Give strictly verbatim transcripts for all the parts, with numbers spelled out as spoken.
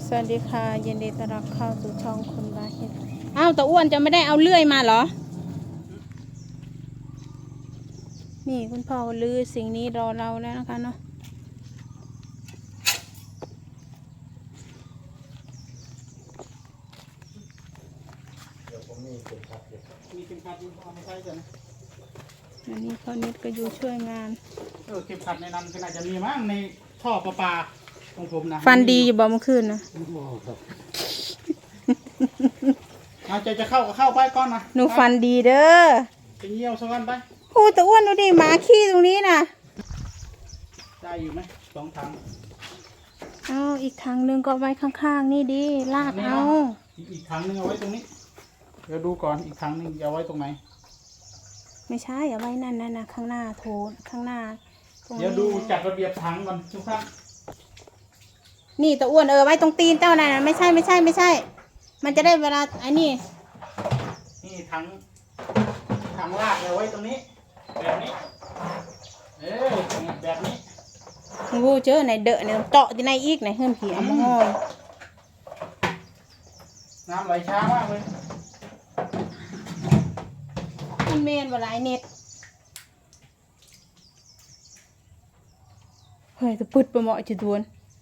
สวัสดีค่ะยินดีต้อนรับเข้าสู่ช่องคนบาเฮ็ดอ้าวตาอ้วนจะไม่ได้เอาเลื่อยมาเหรอนี่คุณพ่อลือสิ่งนี้รอเราแล้วนะคะเนาะเดี๋ยวผมมีเข็มขัดอยู่มีเข็มขัดอยู่เอามาใช้กันนะอันนี้เขานิดก็อยู่ช่วยงานเออเข็มขัดในนั้นก็น่าจะมีมั้งในท่อประปาของผมนะฟันดีอยู่บ่เมื่อคืนนะเอาใจจะเข้าก็เข้าไปก่อนนะหนูฟันดีเด้อไปเยี่ยวสักวันไปโอ้ตาอ้วนดูดิหมาขี้ตรงนี้นะได้อยู่ไหมสองถังเอาอีกถังหนึ่งก็ไว้ข้างๆนี่ดิลากเอาอีกถังหนึ่งเอาไว้ตรงนี้เดี๋ยวดูก่อนอีกถังหนึ่งจะเอาไว้ตรงไหนไม่ใช่เอาไว้นั่นนั่นนะข้างหน้าโถข้างหน้าเดี๋ยวดูจัดระเบียบถังก่อนทุกท่านนี่ตาอ้วนเออไว้ตรงตีนเจ้านั่นนะไม่ใช่ไม่ใช่ไม่ใช่มันจะได้เวลาไอ้นี่นี่ถังถังลากเอาไว้ตรงนี้แบบนี้เออแบบนี้งูเจอไหนเดอะเนี่ยเจาะที่ไหนอีกไหนเฮือนผีเอามาห้อยน้ำไหลช้ามากเลยมันเมนว่าหลายเน็ตเฮ้ยจะปึดไปเหมาะจุดวน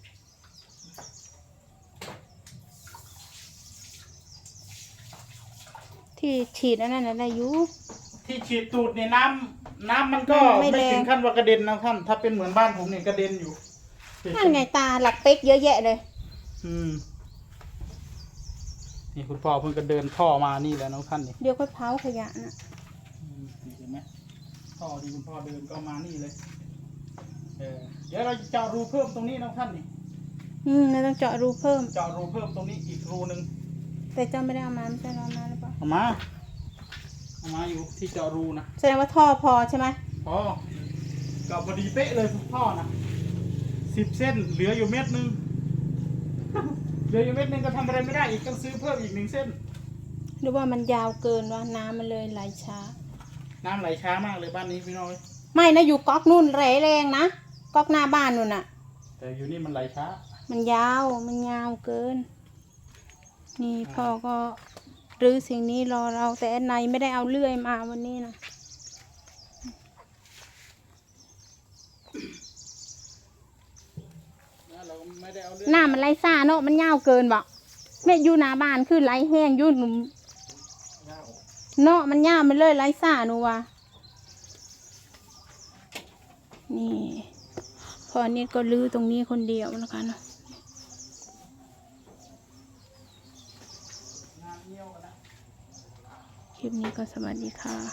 ที่ฉีดอันนั้นอะไรอยู่ที่ฉีดตูดเนี่ยน้ำน้ำมันก็ไม่ถึงขั้นว่ากระเด็นนะท่านถ้าเป็นเหมือนบ้านผมเนี่ยกระเด็นอยู่นั่นไงตาหลักเป๊กเยอะแยะเลยอืมนี่คุณพ่อเพิ่งก็เดินท่อมานี่แล้วน้องท่านนี่เดี๋ยวก็เผาขยะน่ะเห็นไหมท่อที่คุณพ่อเดินก็มานี่เลยเออเดี๋ยวเราจะเจาะรูเพิ่มตรงนี้น้องท่านนี่อืมเราต้องเจาะรูเพิ่มเจาะรูเพิ่มตรงนี้อีกรูนึงแต่เจ้าไม่ได้เอามาไม่ใช่เอามาหรือเปล่าเอามาเอามาอยู่ที่เจาะรูนะแสดงว่าท่อพอใช่ไหมพอก็พอดีเป๊ะเลยท่อนะสิบเส้นเหลืออยู่เม็ดนึงเหลืออยู่เม็ดนึงก็ทำอะไรไม่ได้อีกต้องซื้อเพิ่มอีกหนึ่งเส้นหรือว่ามันยาวเกินว่าน้ำมันเลยไหลช้าน้ำไหลช้ามากเลยบ้านนี้พี่น้อยไม่นะอยู่ก๊อกนู่นแรงแรงนะก๊อกหน้าบ้านนู่นน่ะแต่อยู่นี่มันไหลช้ามันยาวมันยาวเกินนี่พ่อก็รื้อสิ่งนี้รอเราแต่ในไม่ได้เอาเลื่อยมาวันนี้นะหน้ามันไหลซ่าเนาะมันยาวเกินบ่แม่อยู่หน้าบ้านคือไหลแห้งยุ่นเนาะมันยาวมันเลยไหลซ่าหนูว่ะนี่พอนี้ก็ลื้อตรงนี้คนเดียวนะคะเนาะคลิปนี้ก็สวัสดีค่ะ